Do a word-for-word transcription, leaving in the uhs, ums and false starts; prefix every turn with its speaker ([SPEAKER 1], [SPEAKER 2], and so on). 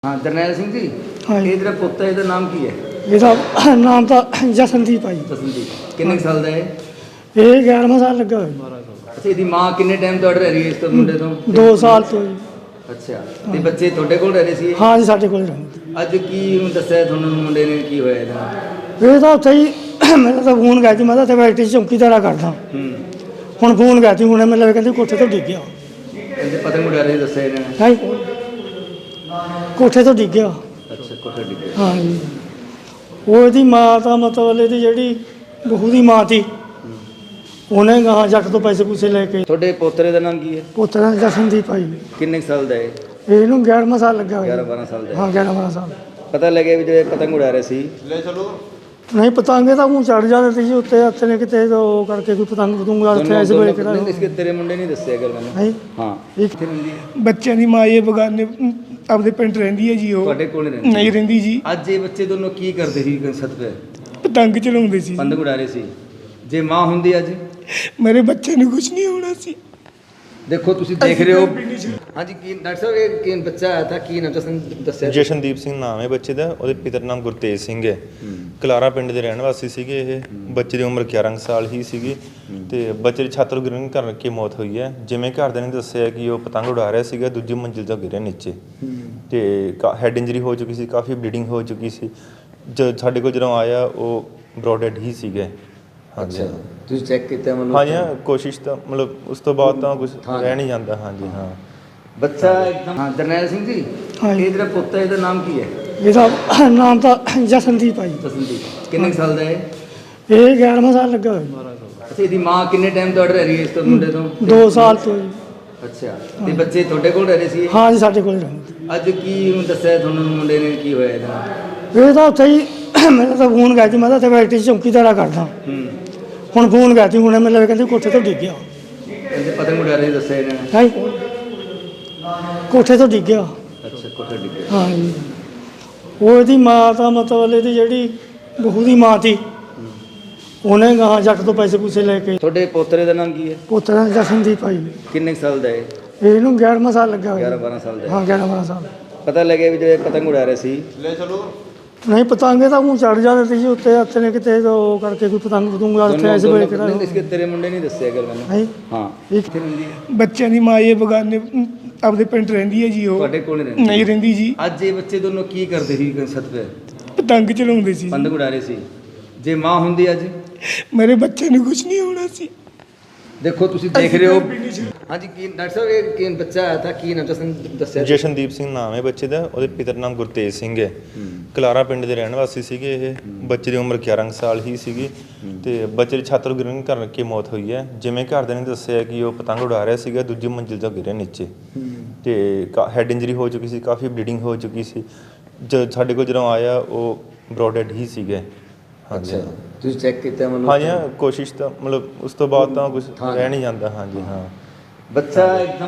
[SPEAKER 1] हाँ जरनैल सिंह जी,
[SPEAKER 2] हाँ जी।
[SPEAKER 1] ये तेरा पुੱਤ है, ਇਹਦਾ ਨਾਮ ਕੀ ਹੈ?
[SPEAKER 2] ਇਹਦਾ ਨਾਮ ਤਾਂ ਜਸਨਦੀਪ ਆ ਜੀ।
[SPEAKER 1] ਜਸਨਦੀਪ। ਕਿੰਨੇ ਕੁ ਸਾਲ ਦਾ ਹੈ?
[SPEAKER 2] ਇਹ ਗਿਆਰ੍ਹਾਂ ਸਾਲ ਲੱਗਾ ਹੋਇਆ।
[SPEAKER 1] ਅੱਛਾ, ਇਹਦੀ ਮਾਂ ਕਿੰਨੇ ਟਾਈਮ ਤੋਂ ਰਹਿ ਰਹੀ ਹੈ ਇਸ ਤੋਂ ਮੁੰਡੇ ਤੋਂ?
[SPEAKER 2] ਦੋ ਸਾਲ ਤੋਂ ਜੀ।
[SPEAKER 1] ਅੱਛਾ, ਤੇ ਬੱਚੇ ਤੁਹਾਡੇ ਕੋਲ ਰਹਿ ਰਹੇ ਸੀ?
[SPEAKER 2] ਹਾਂ ਜੀ, ਸਾਡੇ ਕੋਲ ਰਹਿੰਦੇ।
[SPEAKER 1] ਅੱਜ ਕੀ ਹੁਣ ਦੱਸਿਆ ਤੁਹਾਨੂੰ ਮੁੰਡੇ ਨੇ ਕੀ ਹੋਇਆ ਇਹਦੇ ਨਾਲ?
[SPEAKER 2] ਇਹ ਤਾਂ ਉੱਥੇ ਹੀ ਮੇਰਾ ਤਾਂ ਫੋਨ ਗਿਆ ਸੀ, ਮੈਂ ਤਾਂ ਇੱਥੇ ਫੈਕਟਰੀ 'ਚ ਚੌਕੀਦਾਰਾ ਕਰਦਾ।
[SPEAKER 1] ਹੂੰ।
[SPEAKER 2] ਹੁਣ ਫੋਨ ਗਿਆ ਸੀ ਹੁਣੇ, ਮੈਨੂੰ ਕਹਿੰਦੇ ਕੋਠੇ ਤੋਂ ਡਿੱਗ ਗਿਆ।
[SPEAKER 1] ਕਹਿੰਦੇ ਪਤੰਗ ਉਡਾ ਰਹੇ ਦੱਸਿਆ ਇਹਨਾਂ ਨੇ?
[SPEAKER 2] ਹੈ ਕੋਠੇ ਤੋਂ ਡਿੱਗ ਗਿਆ।
[SPEAKER 1] ਅੱਛਾ, ਕੋਠੇ ਡਿੱਗੇ।
[SPEAKER 2] ਹਾਂ ਜੀ। ਉਹ ਇਹਦੀ ਮਾਂ ਤਾਂ ਮਤਲਬ ਇਹਦੀ ਜਿਹੜੀ ਬਹੂ ਦੀ ਮਾਂ ਸੀ, ਉਹਨੇ ਗਾਹਾਂ ਜੱਟ ਤੋਂ ਪੈਸੇ ਪੂਸੇ ਲੈ ਕੇ।
[SPEAKER 1] ਤੁਹਾਡੇ ਪੋਤਰੇ ਦਾ ਨਾਮ ਕੀ ਹੈ?
[SPEAKER 2] ਪੁੱਤਰ ਜਸਨਦੀਪ ਆ ਜੀ।
[SPEAKER 1] ਕਿੰਨੇ ਕੁ ਸਾਲ ਦਾ ਹੈ?
[SPEAKER 2] ਇਹਨੂੰ ਗਿਆਰ੍ਹਾਂ ਸਾਲ ਲੱਗਾ ਹੋਇਆ।
[SPEAKER 1] ਗਿਆਰਾਂ ਬਾਰਾਂ ਸਾਲ ਦਾ ਹੈ।
[SPEAKER 2] ਹਾਂ, ਗਿਆਰ੍ਹਾਂ ਬਾਰਾਂ ਸਾਲ।
[SPEAKER 1] ਪਤਾ ਲੱਗਿਆ ਵੀ ਜਿਹੜੇ ਪਤੰਗ ਉਡਾ ਰਹੇ ਸੀ? ਲੈ ਚਲੋ।
[SPEAKER 2] ਨਹੀਂ, ਪਤੰਗੇ ਤਾਂ ਮੂੰਹ ਚੜ ਜਾਂਦੇ ਸੀ ਜੀ ਉੱਤੇ, ਹੱਥ ਨੇ ਕਿਤੇ ਉਹ ਕਰਕੇ ਕੋਈ ਪਤੰਗ ਪਤੰਗਾ ਉੱਥੇ ਐਸੇ ਵੇਲੇ ਕਿਹੜਾ।
[SPEAKER 1] ਇਸਕੇ ਤੇਰੇ ਮੁੰਡੇ ਨਹੀਂ ਦੱਸਿਆ ਗੱਲ ਮੈਨੂੰ?
[SPEAKER 2] ਹੈ
[SPEAKER 1] ਹਾਂ।
[SPEAKER 2] ਇੱਕ
[SPEAKER 1] ਕਿੱਥੇ ਰਹਿੰਦੀ ਹੈ?
[SPEAKER 3] ਬੱਚਿਆਂ ਦੀ ਮਾਂ ਇਹ ਬਗਾਨੇ ਆਪਦੇ ਪਿੰਡ ਰਹਿੰਦੀ ਹੈ ਜੀ। ਉਹ
[SPEAKER 1] ਤੁਹਾਡੇ ਕੋਲ ਨਹੀਂ ਰਹਿੰਦੀ?
[SPEAKER 3] ਨਹੀਂ ਰਹਿੰਦੀ ਜੀ।
[SPEAKER 1] ਅੱਜ ਇਹ ਬੱਚੇ ਦੋਨੋਂ ਕੀ ਕਰਦੇ ਸੀ ਛੱਤ ਤੇ?
[SPEAKER 3] ਪਤੰਗ ਚਲਾਉਂਦੇ ਸੀ।
[SPEAKER 1] ਪਤੰਗ ਉਡਾ ਰਹੇ ਸੀ। ਜੇ ਮਾਂ ਹੁੰਦੀ ਅੱਜ?
[SPEAKER 3] ਮੇਰੇ ਬੱਚੇ ਨੂੰ ਕੁਝ ਨਹੀਂ ਹੋਣਾ ਸੀ।
[SPEAKER 1] ਦੇਖੋ ਤੁਸੀਂ ਦੇਖ ਰਹੇ ਹੋ। ਹਾਂਜੀ, ਕੀ ਡਾਕਟਰ ਸਾਹਿਬ ਇਹ ਕੀ ਬੱਚਾ ਆਇਆ ਤਾਂ ਕੀ ਨਾਮ ਦੱਸਣ ਦੱਸਿਆ?
[SPEAKER 4] ਜਸ਼ਨਦੀਪ ਸਿੰਘ ਨਾਮ ਹੈ ਬੱਚੇ ਦਾ। ਉਹਦੇ ਪਿਤਾ ਦਾ ਨਾਮ ਗੁਰਤੇਜ ਸਿੰਘ ਹੈ। ਕਲਾਰਾ ਪਿੰਡ ਦੇ ਰਹਿਣ ਵਾਸੀ ਸੀਗੇ। ਇਹ ਬੱਚੇ ਦੀ ਉਮਰ ਗਿਆਰਾਂ ਸਾਲ ਹੀ ਸੀਗੀ ਤੇ ਬੱਚੇ ਦੀ ਛੱਤ ਤੋਂ ਗਿਰਨ ਕਰਕੇ ਮੌਤ ਹੋਈ ਹੈ। ਜਿਵੇਂ ਘਰਦਿਆਂ ਨੇ ਦੱਸਿਆ ਕਿ ਉਹ ਪਤੰਗ ਉਡਾ ਰਿਹਾ ਸੀਗਾ, ਦੂਜੀ ਮੰਜ਼ਿਲ ਤੋਂ ਗਿਰਿਆ ਨੀਚੇ ਤੇ ਹੈਡ ਇੰਜਰੀ ਹੋ ਚੁੱਕੀ ਸੀ, ਕਾਫੀ ਬਲੀਡਿੰਗ ਹੋ ਚੁੱਕੀ ਸੀ। ਜਦ ਸਾਡੇ ਕੋਲ ਜਦੋਂ ਆਇਆ ਉਹ ਬਰੋਡਡ ਹੀ ਸੀਗੇ।
[SPEAKER 1] ਅੱਛਾ, ਤੁਸੀਂ ਚੈੱਕ ਕੀਤਾ ਮਤਲਬ?
[SPEAKER 4] ਹਾਂਜੀ ਹਾਂ, ਕੋਸ਼ਿਸ਼ ਤਾਂ ਮਤਲਬ ਉਸ ਤੋਂ ਬਾਅਦ ਤਾਂ ਕੁਝ ਰਹਿ ਨਹੀਂ ਜਾਂਦਾ। ਹਾਂਜੀ ਹਾਂ।
[SPEAKER 1] ਬੱਚਾ ਇੱਕਦਮ। ਹਾਂ ਜਰਨੈਲ ਸਿੰਘ ਜੀ,
[SPEAKER 2] ਹਾਂ ਜੀ।
[SPEAKER 1] ਇਹ ਜਿਹੜਾ ਪੁੱਤ ਹੈ ਇਹਦਾ ਨਾਮ ਕੀ ਹੈ?
[SPEAKER 2] ਇਹਦਾ ਨਾਮ ਤਾਂ ਜਸਨਦੀਪ ਆ ਜੀ।
[SPEAKER 1] ਜਸਨਦੀਪ। ਕਿੰਨੇ ਕੁ ਸਾਲ ਦਾ ਹੈ?
[SPEAKER 2] ਇਹ ਗਿਆਰ੍ਹਾਂ ਸਾਲ ਲੱਗਾ ਹੋਇਆ।
[SPEAKER 1] ਅੱਛਾ, ਇਹਦੀ ਮਾਂ ਕਿੰਨੇ ਟਾਈਮ ਤੋਂ ਰਹਿ ਰਹੀ ਹੈ ਇਸ ਤੋਂ ਮੁੰਡੇ ਤੋਂ?
[SPEAKER 2] ਦੋ ਸਾਲ ਤੋਂ ਜੀ।
[SPEAKER 1] ਅੱਛਾ, ਤੇ ਬੱਚੇ ਤੁਹਾਡੇ ਕੋਲ ਰਹਿ ਰਹੇ ਸੀ?
[SPEAKER 2] ਹਾਂ ਜੀ, ਸਾਡੇ ਕੋਲ ਰਹਿੰਦੇ।
[SPEAKER 1] ਅੱਜ ਕੀ ਹੁਣ ਦੱਸਿਆ ਤੁਹਾਨੂੰ ਮੁੰਡੇ ਨੇ ਕੀ ਹੋਇਆ ਇਹਦੇ ਨਾਲ?
[SPEAKER 2] ਇਹ ਤਾਂ ਉੱਥੇ ਹੀ ਮੇਰਾ ਤਾਂ ਫੋਨ ਗਿਆ ਸੀ, ਮੈਂ ਤਾਂ ਇੱਥੇ ਫੈਕਟਰੀ 'ਚ ਚੌਕੀਦਾਰਾ ਕਰਦਾ।
[SPEAKER 1] ਹੂੰ।
[SPEAKER 2] ਹੁਣ ਫੋਨ ਗਿਆ ਸੀ ਹੁਣੇ, ਮੈਨੂੰ ਕਹਿੰਦੇ ਕੋਠੇ ਤੋਂ ਡਿੱਗ ਗਿਆ।
[SPEAKER 1] ਕਹਿੰਦੇ ਪਤੰਗ ਉਡਾ ਰਹੇ ਦੱਸਿਆ ਇਹਨਾਂ ਨੇ?
[SPEAKER 2] ਹੈ ਕੋਠੇ ਤੋਂ ਡਿੱਗ ਗਿਆ।
[SPEAKER 1] ਅੱਛਾ, ਕੋਠੇ ਡਿੱਗੇ।
[SPEAKER 2] ਹਾਂ ਜੀ। ਉਹ ਇਹਦੀ ਮਾਂ ਤਾਂ ਮਤਲਬ ਇਹਦੀ ਜਿਹੜੀ ਬਹੂ ਦੀ ਮਾਂ ਸੀ, ਉਹਨੇ ਗਾਹਾਂ ਜੱਟ ਤੋਂ ਪੈਸੇ ਪੂਸੇ ਲੈ ਕੇ।
[SPEAKER 1] ਤੁਹਾਡੇ ਪੋਤਰੇ ਦਾ ਨਾਮ ਕੀ ਹੈ?
[SPEAKER 2] ਪੁੱਤਰ ਜਸਨਦੀਪ ਆ ਜੀ।
[SPEAKER 1] ਕਿੰਨੇ ਕੁ ਸਾਲ ਦਾ ਹੈ?
[SPEAKER 2] ਇਹਨੂੰ ਗਿਆਰ੍ਹਾਂ ਸਾਲ ਲੱਗਾ ਹੋਇਆ।
[SPEAKER 1] ਗਿਆਰਾਂ ਬਾਰਾਂ ਸਾਲ ਦਾ ਹੈ।
[SPEAKER 2] ਹਾਂ, ਗਿਆਰ੍ਹਾਂ ਬਾਰਾਂ ਸਾਲ।
[SPEAKER 1] ਪਤਾ ਲੱਗਿਆ ਵੀ ਜਿਹੜੇ ਪਤੰਗ ਉਡਾ ਰਹੇ ਸੀ? ਲੈ ਚਲੋ।
[SPEAKER 2] ਨਹੀਂ, ਪਤੰਗੇ ਤਾਂ ਮੂੰਹ ਚੜ ਜਾਂਦੇ ਸੀ ਜੀ ਉੱਤੇ, ਹੱਥ ਨੇ ਕਿਤੇ ਉਹ ਕਰਕੇ ਕੋਈ ਪਤੰਗ ਪਤੰਗਾ ਉੱਥੇ ਐਸੇ ਵੇਲੇ ਕਿਹੜਾ।
[SPEAKER 1] ਇਸਕੇ ਤੇਰੇ ਮੁੰਡੇ ਨਹੀਂ ਦੱਸਿਆ ਗੱਲ ਮੈਨੂੰ?
[SPEAKER 2] ਹੈ
[SPEAKER 1] ਹਾਂ।
[SPEAKER 2] ਇੱਕ
[SPEAKER 1] ਕਿੱਥੇ ਰਹਿੰਦੀ ਹੈ?
[SPEAKER 3] ਬੱਚਿਆਂ ਦੀ ਮਾਂ ਇਹ ਬਗਾਨੇ ਆਪਦੇ ਪਿੰਡ ਰਹਿੰਦੀ ਹੈ ਜੀ। ਉਹ
[SPEAKER 1] ਤੁਹਾਡੇ ਕੋਲ ਨਹੀਂ ਰਹਿੰਦੀ?
[SPEAKER 3] ਨਹੀਂ ਰਹਿੰਦੀ ਜੀ।
[SPEAKER 1] ਅੱਜ ਇਹ ਬੱਚੇ ਦੋਨੋਂ ਕੀ ਕਰਦੇ ਸੀ ਛੱਤ ਤੇ?
[SPEAKER 3] ਪਤੰਗ ਚਲਾਉਂਦੇ ਸੀ।
[SPEAKER 1] ਪਤੰਗ ਉਡਾ ਰਹੇ ਸੀ। ਜੇ ਮਾਂ ਹੁੰਦੀ ਅੱਜ?
[SPEAKER 3] ਮੇਰੇ ਬੱਚੇ ਨੂੰ ਕੁਝ ਨਹੀਂ ਹੋਣਾ ਸੀ।
[SPEAKER 1] ਦੇਖੋ ਤੁਸੀਂ ਦੇਖ ਰਹੇ ਹੋ। ਹਾਂਜੀ, ਕੀ ਡਾਕਟਰ ਸਾਹਿਬ ਇਹ ਕੀ ਬੱਚਾ ਆਇਆ ਤਾਂ ਕੀ ਨਾਮ ਦੱਸਣ ਦੱਸਿਆ?
[SPEAKER 4] ਜਸ਼ਨਦੀਪ ਸਿੰਘ ਨਾਮ ਹੈ ਬੱਚੇ ਦਾ। ਉਹਦੇ ਪਿਤਾ ਦਾ ਨਾਮ ਗੁਰਤੇਜ ਸਿੰਘ ਹੈ। ਕਲਾਰਾ ਪਿੰਡ ਦੇ ਰਹਿਣ ਵਾਸੀ ਸੀਗੇ। ਇਹ ਬੱਚੇ ਦੀ ਉਮਰ ਗਿਆਰਾਂ ਸਾਲ ਹੀ ਸੀਗੀ ਤੇ ਬੱਚੇ ਦੀ ਛੱਤ ਤੋਂ ਗਿਰਨ ਕਰਕੇ ਮੌਤ ਹੋਈ ਹੈ। ਜਿਵੇਂ ਘਰਦਿਆਂ ਨੇ ਦੱਸਿਆ ਕਿ ਉਹ ਪਤੰਗ ਉਡਾ ਰਿਹਾ ਸੀਗਾ, ਦੂਜੀ ਮੰਜ਼ਿਲ ਤੋਂ ਗਿਰਿਆ ਨੀਚੇ ਤੇ ਹੈਡ ਇੰਜਰੀ ਹੋ ਚੁੱਕੀ ਸੀ, ਕਾਫੀ ਬਲੀਡਿੰਗ ਹੋ ਚੁੱਕੀ ਸੀ। ਜਦ ਸਾਡੇ ਕੋਲ ਜਦੋਂ ਆਇਆ ਉਹ ਬਰੋਡਡ ਹੀ ਸੀਗੇ।
[SPEAKER 1] ਅੱਛਾ, ਤੁਸੀਂ ਚੈੱਕ ਕੀਤਾ ਮਤਲਬ?
[SPEAKER 4] ਹਾਂਜੀ ਹਾਂ, ਕੋਸ਼ਿਸ਼ ਤਾਂ ਮਤਲਬ ਉਸ ਤੋਂ ਬਾਅਦ ਤਾਂ ਕੁਝ ਰਹਿ ਨਹੀਂ ਜਾਂਦਾ। ਹਾਂਜੀ ਹਾਂ।
[SPEAKER 1] ਬੱਚਾ ਇੱਕਦਮ।